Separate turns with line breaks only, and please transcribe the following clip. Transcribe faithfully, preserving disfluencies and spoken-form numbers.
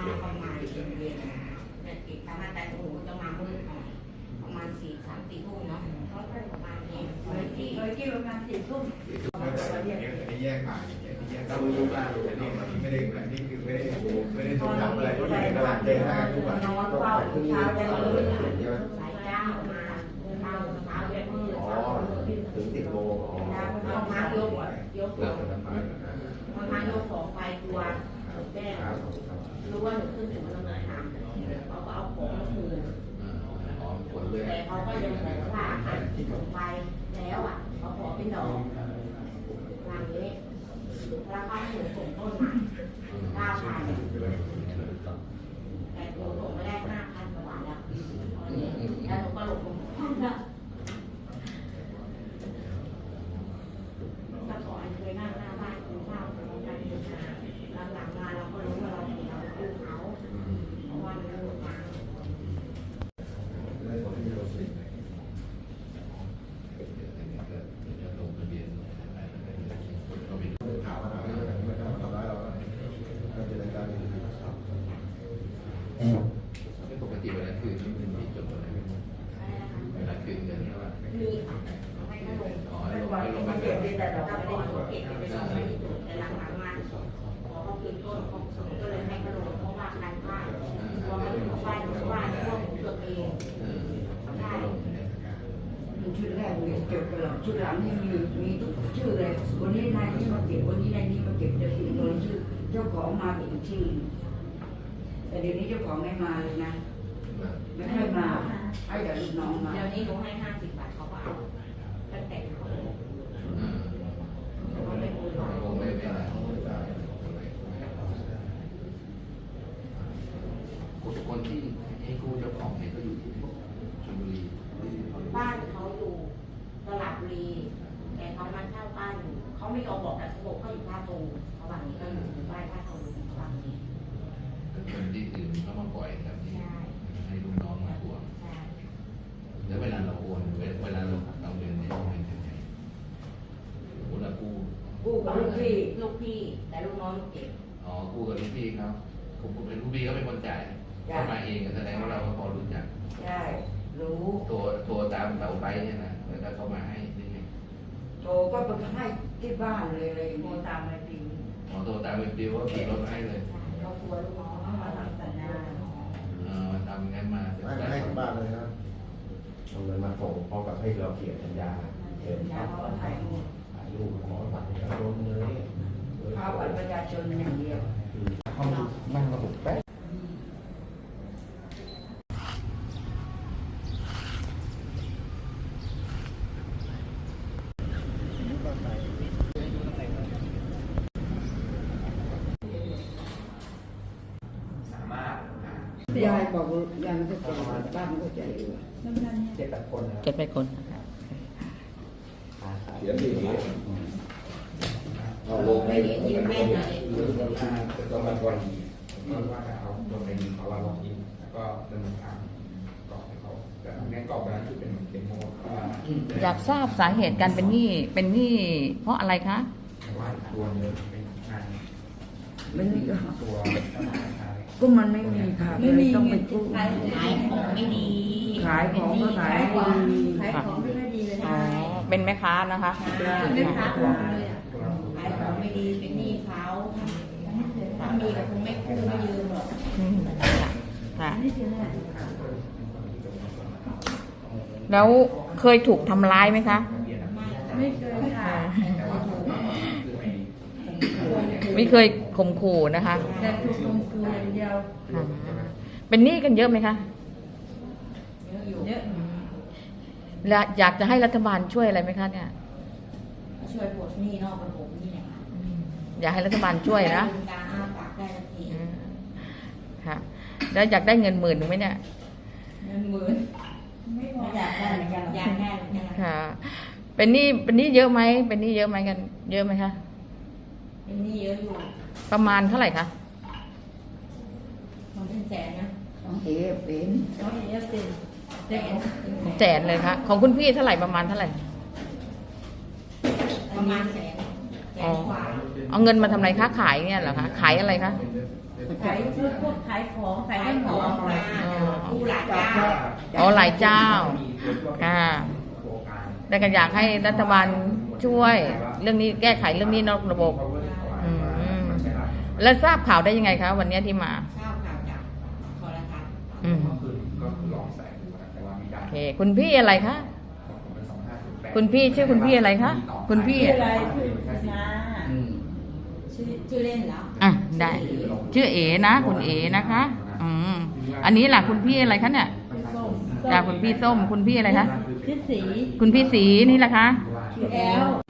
ประมาณเย็นๆแต่ติดทำงานแต่โอ้โหจะมามืดหน่อยประมาณสี่สามสี่ทุ่มเนาะเขาไปประมาณนี้เลยที่เลยที่ประมาณสี่ทุ่ม
นี่แยกผ่านนี่แยกต้องรู้ว่าอันนี้มันไม่ได้แบบนี้คือไม่ได้ไม่ได้ถูกทำอะไรก็อยู่ในตลาดเจนะทุกวัน
นอนเฝ้าเช้าจะมืดสายเจ้ามาเช้าเช้าจะมืดอ๋อ
ถึงสิบโมงอ๋อ
เอามายกยกของเอามายกของไปตัวแจ้งรู้ว่าหนูขึ้นถึงมันต้องเดินทางเขาก็เอาของมาคืนแต่เขาก็ยังบอกว่าที่ส่งไปแล้วอ่ะเขาขอเป็นดอกหลังนี้แล้วเขาให้หนูส่งต้นใหม่เก้าพันแต่หนูส่งไม่ได้ห้าพันกว่าบาทแล้วแล้วหนูก็หลบลงห้องแล้วแต่ก่อนเคยนั่งหน้าบ้านกินข้าวกับน้องกันอยู่นะหลังๆมาเราก็รู้ว่าเราผิดเราคู่เขาเพราะว่ามันรู้ทาง
ปกติเวลาคืนนี่มันมีจดอะไรเวลาคืนเงินใช่ไหม
มีให้ขนมอ๋อให้ลงให้ลงไปเก็บแต่เราไม่ได้เก็บไปส่งไม่ได้แต่หลังๆมาพอเขาคืนต้นเขาก็เลยให้ขนมเพราะว่าการพลาดพอเขาถึงบ้านบ้านพวกตัวเองใช่
ชุดแรกเนี่ยเก็บไปหรอกชุดหลังนี่มีมีทุกชื่อเลยวันนี้นายนี่มาเก็บวันนี้นายนี่มาเก็บจะถึงตัวชื่อเจ้าของมาเป็นชื่อแต่เดี๋ยวนี้เจ้าของไม่มาเลยนะไม่ให้มาให้แต่ลูกน้องมา
เดี๋ยวนี้หนูให้ห้าสิบบาทเขาก็เอาตั้งแต่เขาเขาไม่คุยหรอก
ไม่ไม่อะไรคนที่ให้กู้เจ้าของเนี่ยก็อยู่ที่ชลบุรี
บ้านเขาอยู่ตลาดบุรีแต่เขามาเช่าบ้านอยู่เขาไม่ยอมบอกแต่เขาบอกเขาอยู่ท่าตูเขาบอกนี้ก็อยู่บ้านท่าตูเขาบอกนี้
คนที่อื่นเขามาปล่อยแบบนี้ให้ลูกน้องมาทวงแล้วเวลาเราโอนเวลาเราเราเดินเนี่ยเป็นยังไงโอ้เรากู้
กู้กับลูกพี่ลูกพี่แต่ลูกน้องเก็บ
อ๋อกู้กับลูกพี่เขาผมเป็นลูกพี่เขาเป็นคนจ่ายเข้ามาเองแสดงว่าเราก็พอรู้จัก
ใช่รู้
ตัวตัวตามเสาไฟเนี่ยนะแล้วก็เข้ามาให้นี่ไง
โตก็ไปให้ที่บ้านเลยเลยโทรตามไปปิว
อ๋อโทรตามไปปิวว่าขี่รถมาให้เลย
เรากลัวลูกน้องมาทำสัญญา
เออมาทำงั้นมา
ให้ให้ถึงบ้านเลยนะเอาเงินมาส่งพร้อมกับให้เราเขียนสัญญา
เขียนสัญญาเขาถ่ายรูป
ถ่ายรูปขอบัตรประชาชนเลย
เอาบัตรประชาชนอย่างเดียว
ห้องนั่งระบบแป๊ะ
ยายบอกยายมันก็ใจบ้านมันก็ใจอยู่
เจ็ดแปดคน
เจ็ดแปดคน
เขียนดี
เอาลงไปยืนแม่ไหน
ต้องมาก่อนว่าเอาลงไปยิงเขาว่าลองยิงแล้วก็ดำเนินการกรอบให้เขาแต่ในกรอบนั้นคือเป็นเหมือนเป็นโมว่า
อยากทราบสาเหตุการเป็นหนี้เป็นหนี้เพราะอะไรคะ
ว่าตัวเงินเป็นงาน
มันมี
ตัว
ก็มันไม่มีค่ะไม่มีต้องไปกู้
ขายของไม่ดี
ขายของก็ขาย
ของขายของไม่ดีเลย
อ๋อเป็นแม่ค้านะคะ
เป็นแม่ค้าของเลยอ่ะขายของไม่ดีเป็นหนี้เขาถ้ามีแต่คงไม่กู้ไม่ยืมหรอก
ค่ะแล้วเคยถูกทำร้ายไหมคะ
ไม่เคยค่ะ
ไม่เคยข่มขู่นะคะ
แต่ถูกข่มขู่อย่างเดียว
เป็นหนี้กันเยอะไหมคะ
เยอะ
และอยากจะให้รัฐบาลช่วยอะไรไหมคะเนี่ย
ช่วยปลดหนี้นอกระบบนี่แหละ
อยากให้รัฐบาลช่วยนะ
การอ้าปากได้ทันที
ค่ะแล้วอยากได้เงินหมื่นหรือไม่เนี่ย
เงินหมื่นไม่อยากได้เหมือนกันอยากได้เหมือนกัน
ค่ะเป็นหนี้เป็นหนี้เยอะไหมเป็นหนี้เยอะไหมกันเยอะไหมคะ
เป็นหนี้เยอะอยู่
ประมาณเท่าไหร่คะ
มันเป็นแสนนะ
ต้องเอฟเป็น
ต้องเอฟเป็นแสน
แสนเลยค่ะของคุณพี่เท่าไหร่ประมาณเท่าไหร่
ประมาณแสนแสนกว่า
เอาเงินมาทำอะไรคะขายเนี่ยเหรอคะขายอะไรคะ
ขขายพวกขายของขายของมาผู้หลายเจ้า
อ๋อหลายเจ้า ค่ะ แต่ก็อยากให้รัฐบาลช่วย เรื่องนี้แก้ไขเรื่องนี้นอกระบบ อืม แล้วทราบข่าวได้ยังไงคะวันนี้ที่มา
เช่าข่าวจากโทรทัศน์
อืม
ก็คือก็คือลองแสงดูนะแต่ว่าไม่ได้
โอเค คุณพี่อะไรคะ คุณพี่ชื่อคุณพี่อะไรคะ คุณพี่
ชื่ออะไรชื่อนา
อืม
ชื่อชื่อเล่นเหรอ
อ่ะได้ ชื่อเอ๋นะ คุณเอ๋นะคะ อืม อันนี้ล่ะคุณพี่อะไรคะเนี่ย
ส้ม
จากคุณพี่ส้ม คุณพี่อะไรคะ
ชื่อสี
คุณพี่สีนี่ล่ะคะ
ชื่อแอล